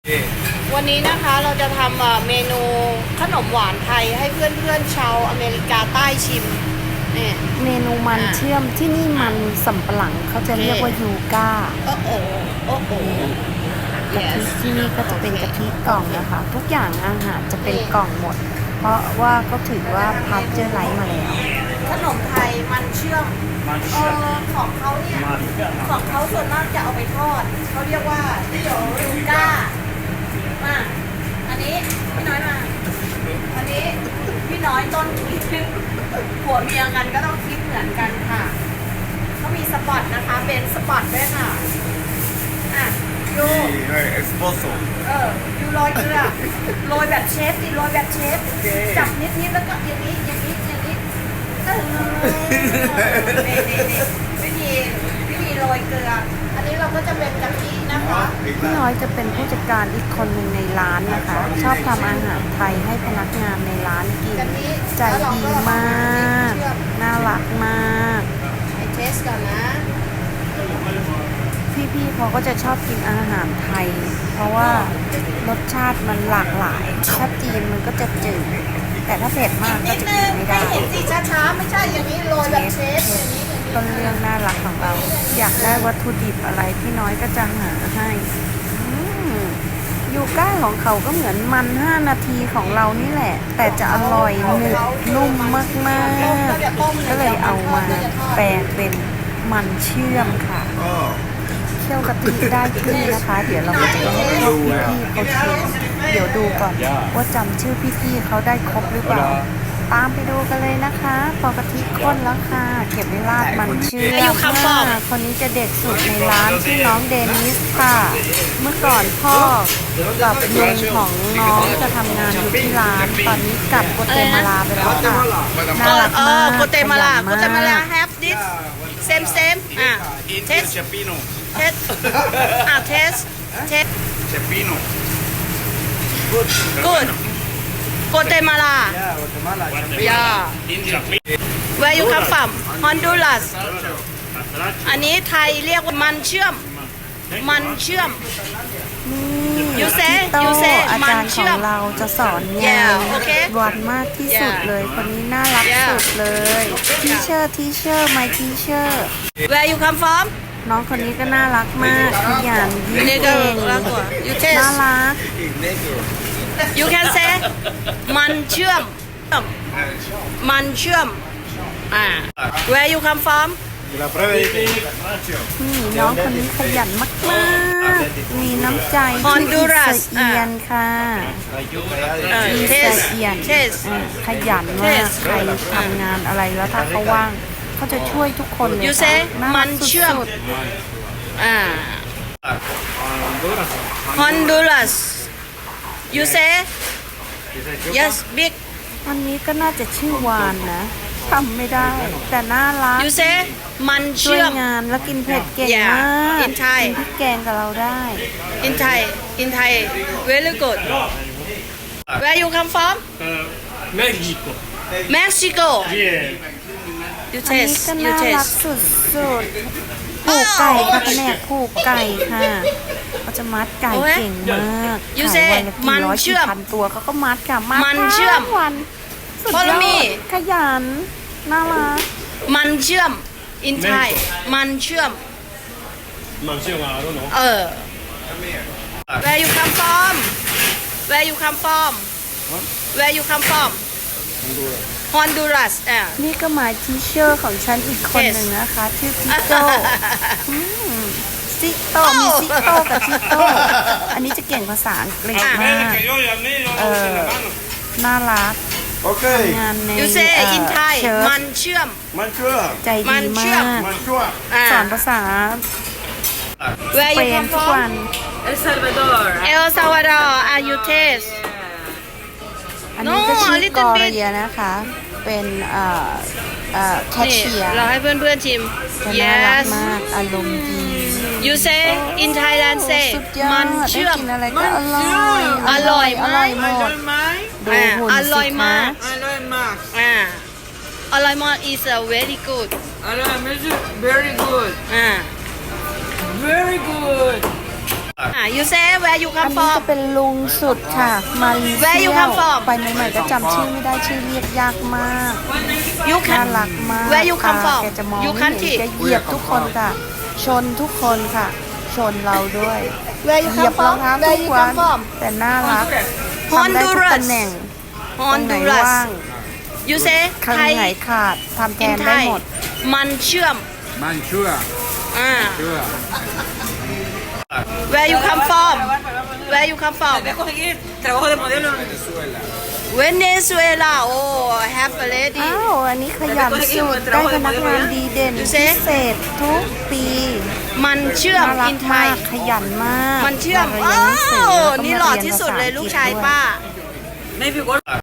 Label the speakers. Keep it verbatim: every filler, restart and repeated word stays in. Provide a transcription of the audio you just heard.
Speaker 1: วันนี้นะคะเราจะทำเมนูขนมหวานไทยให้เพื่อนๆชาวอเมริกาใต้ชิมเนี่ย
Speaker 2: เมนูมันเชื่อมที่นี่มันสำปะหลังเขาจะเรียกว่ายูก้า
Speaker 1: โอ้โหโอ้โห
Speaker 2: กะทิที่นี่ก็จะเป็นกะทิกล่องนะคะ ทุกอย่างอาหารจะเป็นกล่องหมด เพราะว่าเขาถือว่าพัชเจอร์ไลท์มาแล้ว
Speaker 1: ขนมไทยมันเชื่อมเออของเขาเนี่ยของเขาส่วนมากจะเอาไปทอดเขาเรียกว่าที่โยยูก้ามาอันนี้พี่น้อยมาอันนี้พี่น้อยต้นคิดผัวเมียกันก็ต้องคิดเหมือนกันค่ะเขามีสปอตนะคะเป็นสปอตด้วยค่ะอ่ะยู
Speaker 3: เอ็กซ์โพโซ
Speaker 1: เออยูโรยเกลือโรยแบบเชฟดิโรยแบบเชฟจับนิดๆแล้วก็อย่างนี้อย่างนี้อย่างนี้เออวิธีวิธีโรยเกลืออันนี้เราก็จะเป็นกะทินะคะ
Speaker 2: พี่น้อยจะเป็นผู้จัดการอีกคนหนึ่งในร้านนะคะ ชอบทำอาหารไทยให้พนักงานในร้านกินใจดีมากน่ารักมาก
Speaker 1: ไอเทสก่อนนะ
Speaker 2: พี่ๆเขาก็จะชอบกินอาหารไทยเพราะว่ารสชาติมันหลากหลายถ้าจีนมันก็จะจืดแต่ถ้าเผ็ดมากก็จะกินไม่ได้
Speaker 1: เห็นสีช้าๆไม่ใช่อย่างนี้โรยแบบเชฟอย่างนี้
Speaker 2: ต้นเรื่องน่ารักของเราอยากได้วัตถุดิบอะไรพี่น้อยก็จะหาให้ยูก้าของเขาก็เหมือนมันห้านาทีของเรานี่แหละแต่จะอร่อยหนึบนุ่มมากๆก็เลยเอามาแปลงเป็นมันเชื่อมค่ะเคี่ยวกะทิได้ขึ้นนะคะเดี๋ยวเราจะให้พวกพี่ๆเขาชิมเดี๋ยวดูก่อนว่าจำชื่อพี่ๆเขาได้ครบหรือเปล่าตามไปดูกันเลยนะคะพอกะทิข้นแล้วค่ะเก็บไว้ราดมันเชื่อมคนนี้จะเด็กสุดในร้านชื่อน้องเดนิสค่ะเมื่อก่อนพ่อกับลุงของน้องจะทำงานอยู่ที่ร้านตอนนี้กลับโกเตมาลาไปแล้วค่ะน่ารักมาก
Speaker 1: โกเตมาลาโกเตมาลา have this same same อ่ะ
Speaker 3: taste เชฟปิโน่
Speaker 1: เทสอ่ะเทสเทส
Speaker 3: เชฟปิโน่
Speaker 1: good โกเตมาลา yeah where you come from Honduras อันนี้ไทยเรียกว่ามันเชื่อมมันเชื่อมยูเซยูเซ
Speaker 2: อาจารย์ของเราจะสอนงานวันมากที่สุดเลยคนนี้น่ารักสุดเลยทีเชอร์ทีเชอร์ my teacher
Speaker 1: where you come from
Speaker 2: น้องคนนี้ก็น่ารักมากขยันยิ้มเก่งน่ารัก
Speaker 1: you can say มันเชื่อมมันเชื่อมอ่า where you come from
Speaker 2: น้องคนนี้ขยันมากๆมีน้ำใจที่เอียนค่ะมีเอียนขยันมากใครทำงานอะไรแล้วถ้าเขาว่างเขาจะช่วยทุกคนเลยค่ะ
Speaker 1: มันเชื่อมอ่า Honduras you say yes big
Speaker 2: วันนี้ก็น่าจะชื่อวานนะทำไม่ได้แต่น่ารัก
Speaker 1: you say มันเชื่อม
Speaker 2: งานแล้วกินเผ็ดเก่งมากกินพริกแกงกับเราได้
Speaker 1: in Thai in Thai very good where you come from
Speaker 4: Mexico
Speaker 1: Mexico you
Speaker 2: อันนี้
Speaker 1: taste
Speaker 2: ก็
Speaker 1: you
Speaker 2: น่ารัก
Speaker 1: taste
Speaker 2: สุดๆผูกไก่ค่ะแผนกผูกไก่ค่ะเขาจะมัดไก่เก่งมากขายวันละกี่ร้อยกี่พันตัวเขาก็มัดค่ะมัดทั้งวันสุดยอดขยันน่ารัก
Speaker 1: มันเชื่อม in Thai มันเชื่อม
Speaker 4: มันเชื่อมอะไรรู้เนาะ
Speaker 1: เออ where you come from where you come from where you come from Honduras อ่ะ
Speaker 2: นี่ก็หมายทีเชอร์ของฉันอีกคนหนึ่งนะคะชื่อทิโต้ซิโต้มีซิโต้กับทิโต้อันนี้จะเก่งภาษาอังกฤษมากเออน่ารักงานใน
Speaker 1: you say in Thai มันเชื่อม
Speaker 3: มันเชื่อม
Speaker 2: ใจดีมากสอนภาษา
Speaker 1: where you come
Speaker 2: ทุกวัน
Speaker 1: El Salvador El Salvador are you taste
Speaker 2: อันนี้ก็ชื่อกอเรียนะคะเป็นเอ่อเอ่อแคชเชียร์
Speaker 1: เราให้เพื่อนๆชิม
Speaker 2: น่ารักมากอารมณ์ดี
Speaker 1: you say in Thailand say มันเชื่อม
Speaker 2: อะไรก็อร่อย
Speaker 1: อร่อย
Speaker 2: อร่อยหมดดูหุ่นสิคะ
Speaker 1: อร่อยมากอ่าอร่อยมาก is a very good
Speaker 5: อร่อยมาก very good
Speaker 1: อ่า
Speaker 5: very good
Speaker 1: อ่ะ you say where you
Speaker 2: อั
Speaker 1: come
Speaker 2: นนี้จะ
Speaker 1: from
Speaker 2: เป็นลุงสุดค่ะ มาเลเซี
Speaker 1: Where you
Speaker 2: ย
Speaker 1: come from?
Speaker 2: ไปใหม่ๆก็จำชื่อไม่ได้ชื่อเรียกยากมาก
Speaker 1: you
Speaker 2: น่า
Speaker 1: can
Speaker 2: รักมาก
Speaker 1: Where you come
Speaker 2: ค่ะ
Speaker 1: from?
Speaker 2: แกจะมอง
Speaker 1: You
Speaker 2: ไม่เห็น
Speaker 1: country?
Speaker 2: แกเหยียบทุกคนค่ะ ชนทุกคนค่ะ ชนเราด้วย
Speaker 1: Where you
Speaker 2: เหยียบ
Speaker 1: come
Speaker 2: รอง
Speaker 1: from
Speaker 2: เท้า
Speaker 1: Where
Speaker 2: ทุ
Speaker 1: you
Speaker 2: กวั
Speaker 1: come
Speaker 2: น
Speaker 1: from
Speaker 2: แต่น่ารักทำได้ทุก
Speaker 1: Honduras
Speaker 2: ตำแหน่งตรงไหน
Speaker 1: Honduras
Speaker 2: ว่าง
Speaker 1: you say
Speaker 2: ข้าง
Speaker 1: ไทย
Speaker 2: ไหนขาดทำแท
Speaker 1: in
Speaker 2: นได้
Speaker 1: Thai
Speaker 2: หมด
Speaker 1: มันเชื่อม
Speaker 3: Manchua.
Speaker 1: อ่า
Speaker 3: Sure.
Speaker 1: Where you come from Where you come from
Speaker 5: Trabajo de modelo.
Speaker 1: Venezuela oh have a lady
Speaker 2: อ้าวอันนี้ขยันสุดได้พนักงานดีเด่น
Speaker 1: ดู
Speaker 2: พิ
Speaker 1: สิ
Speaker 2: เศษทุกปี
Speaker 1: มันเชื่อม
Speaker 2: น่ารั
Speaker 1: อิ
Speaker 2: ก
Speaker 1: นไท
Speaker 2: มาย กขยันมาก
Speaker 1: มันเชื่อม
Speaker 2: า
Speaker 1: อ้า
Speaker 2: เรียนหนังสือ
Speaker 1: ว
Speaker 2: แล้วก็
Speaker 1: นี่
Speaker 2: มา
Speaker 1: หล่อ
Speaker 2: เรีย
Speaker 1: ที่สุด
Speaker 2: ภษ
Speaker 1: เลย
Speaker 2: อัง
Speaker 1: ลูก
Speaker 2: ฤษ
Speaker 1: ชาย
Speaker 2: ด้วย
Speaker 1: ป้า
Speaker 5: Maybe what?